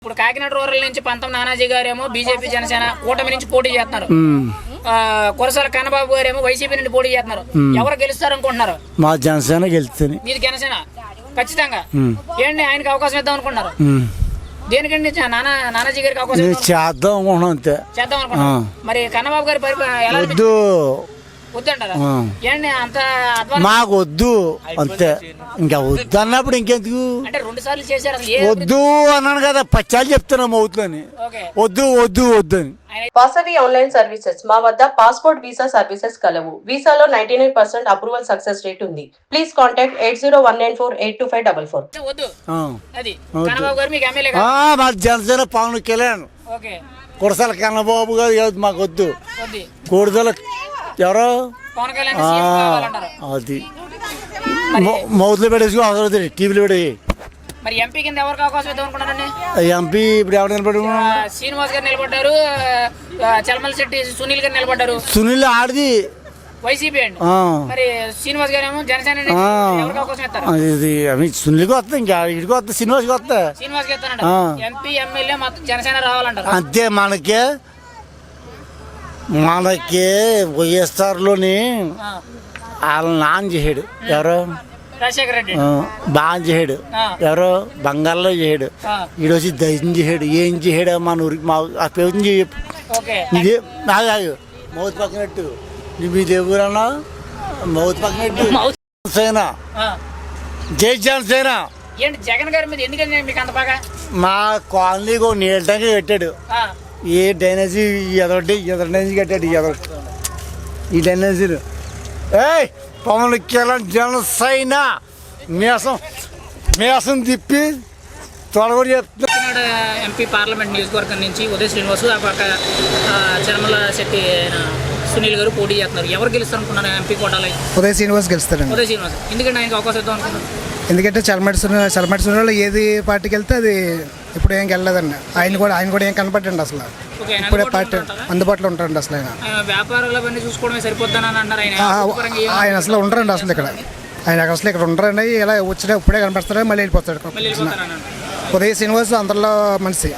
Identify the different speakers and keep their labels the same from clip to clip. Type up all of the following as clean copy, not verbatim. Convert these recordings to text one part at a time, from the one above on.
Speaker 1: ఇప్పుడు కాకినాడ రూరల్ నుంచి పంతం నానాజీ గారేమో బీజేపీ జనసేన కూటమి నుంచి పోటీ చేస్తున్నారు. కురసాల కన్నబాబు గారేమో వైసీపీ నుండి పోటీ చేస్తున్నారు. ఎవరు గెలుస్తారు అనుకుంటున్నారు?
Speaker 2: మా జనసేన గెలుస్తుంది.
Speaker 1: మీది జనసేన ఖచ్చితంగా. ఏంటి ఆయనకి అవకాశం ఇద్దాం అనుకుంటున్నారు? దేనికండి నానాజీ గారికి అవకాశం
Speaker 2: చేద్దాం అనుకుంటున్నాం, అంతే
Speaker 1: చేద్దాం అనుకుంటున్నాం. మరి కన్నబాబు గారి ఎలా వద్దంటారా? ఏంటి అంత
Speaker 2: మాకు వద్దు, అంతే. ఇంకా వద్దు అన్నప్పుడు ఇంకెందుకు?
Speaker 1: అంటే 2 సార్లు చేశారు.
Speaker 2: వద్దు అన్నాను కదా, పచ్చాలు చెప్తున్నాము అవుతుందని. వద్దు వద్దు వద్దు అని.
Speaker 3: Vasavi online services. మా వద్ద పాస్పోర్ట్ వీసా సర్వీసెస్ కలవు. వీసాలో 99% అప్రూవల్ సక్సెస్ రేట్ ఉంది. Please contact 8019482544.
Speaker 2: మా జనసేన పవన్ కళ్యాణ్, కురసాల కన్నబాబు గారు మాకు వద్దు. కూడదల ఎవరో అది మౌత్లో పెట్టేసి అవసరం, టీవీలో పెట్టి.
Speaker 1: మరి ఎంపీ కింద ఎవరికి అవకాశం ఇద్దాం అనుకున్నారండి?
Speaker 2: ఎంపీ ఇప్పుడు ఎవరు నిలబడి?
Speaker 1: శ్రీనివాస్ గారు నిలబడ్డారు, చలమల శెట్టి సునీల్ గారు నిలబడ్డారు.
Speaker 2: సునీల్ ఆడిది
Speaker 1: వైసీపీ అండి. మరి శ్రీనివాస్ గారు ఏమో జనసేన అవకాశం ఇస్తారు.
Speaker 2: సునీల్కి వస్తా, ఇంకా ఇడికి వస్తా, శ్రీనివాస్కి వస్తా.
Speaker 1: శ్రీనివాస్ కి ఇస్తానంట. ఎంపీ ఎమ్మెల్యే మొత్తం జనసేన రావాలంటారు.
Speaker 2: అంతే. మనకి వైఎస్ఆర్లోని వాళ్ళ నాన్న చేసాడు, ఎవరో
Speaker 1: రాజశేఖర రెడ్డి
Speaker 2: బాగా చేసాడు, ఎవరో బంగాల్లో చేసాడు, ఈడొచ్చి దయ్యం చేసాడు. ఏం చేసాడు మన ఊరికి? మా పేరు చెప్పు. ఇదే నాగాగు మౌత్ పక్కనట్టు. మీది ఎవరన్నా మౌత్ పక్కనట్టు. జనసేన, జై జనసేన.
Speaker 1: ఏంటి జగన్ గారి మీద ఎందుకంటే మీకు అంత బాగా?
Speaker 2: మా కాలనీకి ఒక నీళ్ళ ట్యాంక్ పెట్టాడు. ఏ డ్రైనేజీ ఎదొకటి డ్రైనేజీ కట్టాడు. ఈ డ్రైనేజీలు పవన్ కళ్యాణ్ జనసేన మేసం తిప్పి తొడగొడి చెప్తున్నాడు.
Speaker 1: ఎంపీ పార్లమెంట్ నియోజకవర్గం నుంచి ఉదయ శ్రీనివాసు, ఆ పక్క చలమల శెట్టి సునీల్ గారు పోటీ చేస్తున్నారు. ఎవరు గెలుస్తారు అనుకున్నారు ఎంపీ కోటాలో?
Speaker 4: ఉదయ శ్రీనివాస్ గెలుస్తారండి.
Speaker 1: ఉదయ శ్రీనివాస్ ఎందుకంటే ఆయనకి అవకాశం ఇద్దాం అనుకున్నారు?
Speaker 4: ఎందుకంటే చలమటి సునీల్ ఏది పార్టీకి వెళ్తే అది ఇప్పుడు ఏం వెళ్ళలేదండి. ఆయన కూడా ఏం కనపడండి అసలు. ఇప్పుడే పార్టీ అందుబాటులో ఉంటారండి అసలు.
Speaker 1: వ్యాపారాలు చూసుకోవడమే సరిపోద్దని అంటారు
Speaker 4: ఆయన అసలు ఉండరండి అసలు ఇక్కడ. ఆయన అసలు ఇక్కడ ఉండరండి. ఇలా వచ్చినా ఇప్పుడే కనపడతాడు, మళ్ళీ వెళ్ళిపోతాడు. ఉదయ శ్రీనివాస్ అందరిలో మనిషి,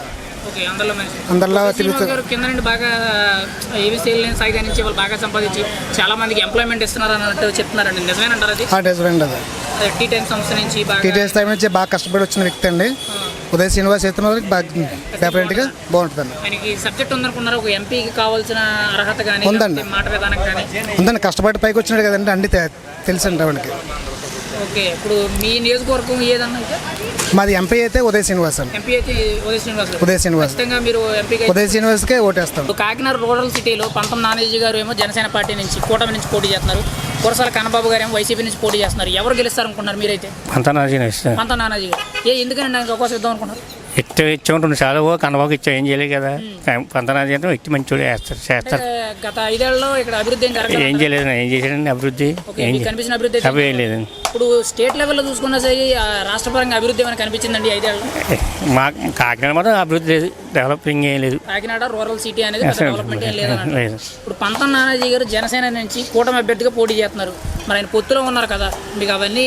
Speaker 4: అందరిలో తిరుగుతారు.
Speaker 1: కింద నుండి బాగా ఏవి సేల్ సాయి నుంచి వాళ్ళు బాగా సంపాదించి చాలా మందికి ఎంప్లాయ్మెంట్ ఇస్తున్నారు అన్నట్టు చెప్తున్నారండి. నిజమేనంటారు అది?
Speaker 4: నిజమేండి. అది
Speaker 1: టీ టైమ్ సంస్థ నుంచి
Speaker 4: బాగా కష్టపడి వచ్చిన వ్యక్తి అండి ఉదయ శ్రీనివాస్. అయితే బాగా డెఫినెట్గా బాగుంటుందండి.
Speaker 1: ఆయనకి సబ్జెక్ట్ ఉందనుకున్నారు. ఒక ఎంపీకి కావాల్సిన అర్హత కానీ
Speaker 4: ఉందండి,
Speaker 1: మాట విధానం కానీ
Speaker 4: ఉందండి. కష్టపడి పైకి వచ్చినాడు కదండి, అన్ని తెలుసండి ఆవిడకి.
Speaker 1: ఓకే. ఇప్పుడు మీ నియోజకవర్గం ఏదన్నా?
Speaker 4: మాది ఎంపీ అయితే ఉదయ శ్రీనివాస్ అండి.
Speaker 1: ఎంపీ అయితే ఉదయ
Speaker 4: శ్రీనివాస్.
Speaker 1: మీరు
Speaker 4: ఉదయ శ్రీనివాస్కే ఓటేస్తాం.
Speaker 1: కాకినాడ రూరల్ సిటీలో పంతం నానాజీ గారు ఏమో జనసేన పార్టీ నుంచి కూటమి నుంచి పోటీ చేస్తున్నారు. కురసాల కన్నబాబు గారు ఏమో వైసీపీ నుంచి పోటీ చేస్తున్నారు. ఎవరు గెలుస్తారు అనుకుంటున్నారు మీరైతే?
Speaker 2: పంతం
Speaker 1: నానాజీ గారు. ఎందుకని నాకు అవకాశం ఇద్దాం అనుకున్నారు?
Speaker 2: ఇచ్చాము చాలా కన్నబాబు ఇచ్చా, ఏం చేయలేదు కదా. పంతనాజీ అంటే వ్యక్తి మంచి చేస్తారు.
Speaker 1: గత 5 ఏళ్లలో ఇక్కడ అభివృద్ధి
Speaker 2: ఏం చేయలేదు. ఏం చేశాడండి అభివృద్ధి?
Speaker 1: కనిపించిన అభివృద్ధి
Speaker 2: ఏం లేదండి.
Speaker 1: ఇప్పుడు స్టేట్ లెవెల్లో చూసుకున్నా సరే రాష్ట్ర పరంగా అభివృద్ధి ఏమైనా కనిపించిందండి 5 ఏళ్ళలో?
Speaker 2: మా కాకినాడ మాత్రం అభివృద్ధి లేదు, డెవలపింగ్ ఏం లేదు.
Speaker 1: కాకినాడ రూరల్ సిటీ అనేది డెవలప్మెంట్ ఏం లేదు. ఇప్పుడు పంతం నానాజీ గారు జనసేన నుంచి కూటమి అభ్యర్థిగా పోటీ చేస్తున్నారు. మరి ఆయన పొత్తులో ఉన్నారు కదా, మీకు అవన్నీ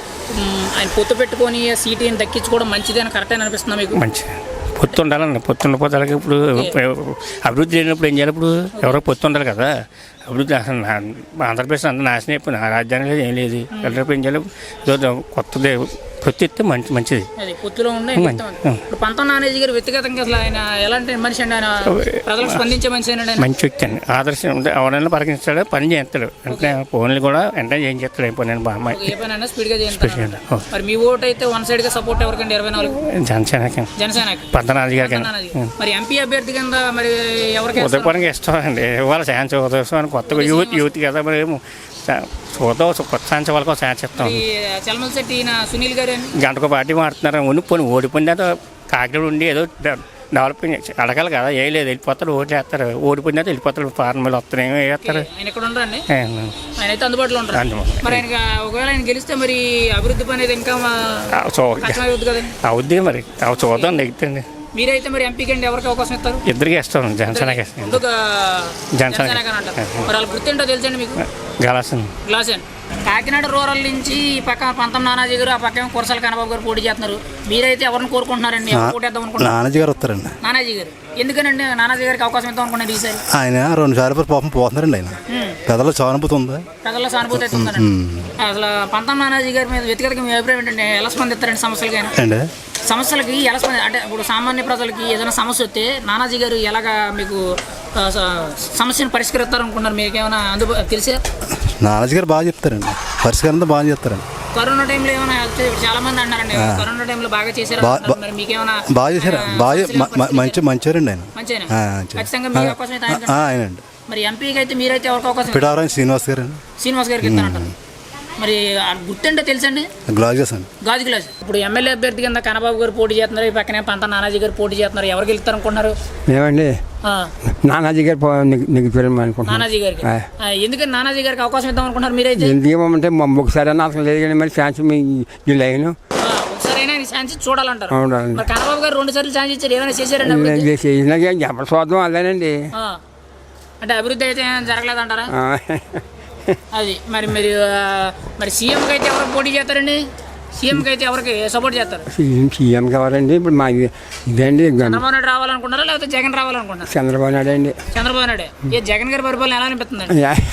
Speaker 1: ఆయన పొత్తు పెట్టుకొని సీటీని దక్కించుకోవడం మంచిది అని కరెక్ట్ అని అనిపిస్తుందా మీకు?
Speaker 2: మంచి పొత్తు ఉండాలండి. పొత్తు ఉండకపోతే ఇప్పుడు అభివృద్ధి లేనప్పుడు ఏం చేయాలి? ఇప్పుడు ఎవరో పొత్తు ఉండాలి కదా. అభివృద్ధి అసలు ఆంధ్రప్రదేశ్ అంతా నాశనం అయిపోయింది. రాజధాని లేదు, ఏం లేదు. ఏం చేయాలి? కొత్తది పొత్తు ఇస్తే మంచిది.
Speaker 1: పొత్తులో ఉండే ఇప్పుడు పంతం నానాజీ గారు వ్యక్తిగతంగా అసలు ఆయన ఎలాంటి మనిషి అండి? ఆయన ప్రజలకు స్పందించే మనిషి అండి.
Speaker 2: మంచి వ్యక్తి అండి. ఆదర్శం ఉంటే ఎవరైనా పరిగణిస్తాడు, పని చేస్తాడు. అంటే ఫోన్లు కూడా వెంటనే ఏం చేస్తాడు. ఏ పని బాగా
Speaker 1: ఏ పనైనా స్పీడ్గా చేస్తాడు. మరి మీ ఓటు అయితే వన్ సైడ్గా సపోర్ట్ ఎవరికండి? 24 జనసేనకి పంతనాజీ గారికి. మరి ఎంపీ అభ్యర్థి కింద మరి ఎవరికి?
Speaker 2: ఉదయపరంగా ఇష్టం అండి. ఇవాళ ఛాన్స్ ఉదయం కొత్తగా యూత్ కదా, మరి చూద్దాం కొత్త ఛాన్స్ వాళ్ళకి ఛాన్స్ ఇస్తాం.
Speaker 1: చలమల శెట్టి సునీల్ గారు
Speaker 2: గంటకు పార్టీ మారుతున్నారు. పోనీ ఓడిపోయిన కాకినాడ ఉండి ఏదో డెవలపింగ్ అడగాలి కదా. ఏం లేదు, వెళ్ళిపోతారు, ఓటు వేస్తారు. ఓడిపోయిన వెళ్ళిపోతారు, ఫార్మల్ వస్తున్నాయి, వేస్తారు.
Speaker 1: ఆయన ఇక్కడ ఉండరండి, ఆయన అయితే అందుబాటులో ఉంటారు. మరి ఆయన ఒకవేళ ఆయన గెలిస్తే మరి అభివృద్ధి పని ఇంకా అవుద్ది
Speaker 2: మరి చూద్దాం నెగ్గుతుంది.
Speaker 1: మీరైతే మరి ఎంపీకి అండి ఎవరికి అవకాశం ఇస్తారు?
Speaker 5: ఇద్దరికి ఇస్తాం. జనసేనకి
Speaker 1: ఎందుకు
Speaker 5: జనసేన
Speaker 1: అంటారు? మరి వాళ్ళ గుర్తుంటో తెలుసండి మీకు? గ్లాసన్. కాకినాడ రూరల్ నుంచి ఈ పక్క పంతం నానాజీ గారు, ఆ పక్క కురసాల కన్నబాబు గారు పోటీ చేస్తున్నారు. మీరైతే ఎవరిని కోరుకుంటున్నారండి? పోటేద్దాం అనుకుంటున్నారు?
Speaker 6: నానాజీ గారు వస్తారండి.
Speaker 1: నానాజీ గారు ఎందుకనండి నానాజీ గారికి అవకాశం ఇద్దాం అనుకున్నారు ఈసారి?
Speaker 6: ఆయన 2 సార్లు పాపం పోతున్నారండి. ఆయన పెద్దల సానుభూతి ఉంది.
Speaker 1: ప్రజల్లో సానుభూతి అయితే ఉందండి. అసలు పంతం నానాజీ గారి మీద వ్యక్తిగతంగా మీ అభిప్రాయం ఏంటంటే ఎలా స్పందిస్తారండి సమస్యలకి? సమస్యలకి ఎలా అంటే ఇప్పుడు సామాన్య ప్రజలకి ఏదైనా సమస్య వస్తే నానాజీ గారు ఎలాగా మీకు సమస్యను పరిష్కరిస్తారు అనుకున్నారు? మీకు ఏమైనా తెలిసే?
Speaker 6: నానాజీ గారు బాగా చెప్తారండి, పరిష్కారం బాగా చెప్తారండి.
Speaker 1: కరోనా టైంలో ఏమైనా చాలా మంది అన్నారండి కరోనా టైంలో బాగా చేశారు, మరి మీకేమైనా?
Speaker 6: బాగా చేశారు, బాగా మంచివారండి ఆయన.
Speaker 1: మంచిగా ఖచ్చితంగా మీకు అవకాశం అయితే
Speaker 6: ఆయనండి.
Speaker 1: మరి ఎంపీకి అయితే మీరైతే ఎవరికి అవకాశం?
Speaker 6: పిఠాపురం శ్రీనివాస్ గారు.
Speaker 1: శ్రీనివాస్ గారికి ఇస్తారంటారు. మరి గుర్తుంటే తెలుసండి?
Speaker 6: గ్లాజెస్ అండి.
Speaker 1: గాజు గ్లాస్. ఇప్పుడు ఎమ్మెల్యే అభ్యర్థి కింద కన్నబాబు గారు పోటీ చేస్తున్నారు, ఈ పక్కనే పంత నానాజీ గారు పోటీ చేస్తున్నారు. ఎవరికి వెళ్తారు అనుకుంటున్నారు?
Speaker 7: ఏమండి నానాజీ గారు అనుకుంటున్నాను.
Speaker 1: నానాజీ గారికి ఎందుకని నానాజీ గారికి అవకాశం ఇద్దాం అనుకుంటున్నారు మీరైతే?
Speaker 7: ఎందుకేమంటే ఒకసారి అసలు లేదు కానీ మరి ఛాన్స్ ఈ లైన్
Speaker 1: ఒకసారైనా ఛాన్స్ చూడాలంటారు. మరి కన్నబాబు గారు 2 సార్లు ఛాన్స్ ఇచ్చారు, ఏమైనా చేశారండి?
Speaker 7: ఎవరు చూద్దాం అదేనండి.
Speaker 1: అంటే అభివృద్ధి అయితే జరగలేదంటారా? అది మరి మరి మరి సీఎంకి అయితే ఎవరు పోటీ చేస్తారండి? సీఎంకి అయితే ఎవరికి సపోర్ట్ చేస్తారు?
Speaker 7: సీఎంకి ఎవరండి ఇప్పుడు మా ఇదండి
Speaker 1: చంద్రబాబు నాయుడు రావాలనుకుంటారా లేకపోతే జగన్ రావాలనుకుంటారా?
Speaker 7: చంద్రబాబు నాయుడు అండి.
Speaker 1: చంద్రబాబు నాయుడు. ఏ జగన్ గారి పరిపాలన ఎలా అనిపిస్తుంది?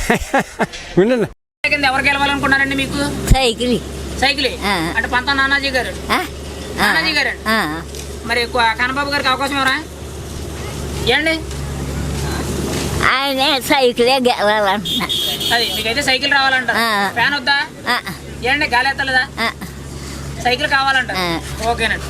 Speaker 1: ఎవరు గెలవాలనుకున్నారండి మీకు? సైకిల్ అంటే పంత నానాజీ గారు. నానాజీ గారు మరి కన్నబాబు గారికి అవకాశం ఎవరా ఏండి?
Speaker 8: ఆయన సైకిలే గెలవాలంటున్నా.
Speaker 1: అది మీకైతే సైకిల్ రావాలంట. ఫ్యాన్ వద్దా ఏంటి? గాలి ఎత్తలేదా? సైకిల్ కావాలంట. ఓకేనండి.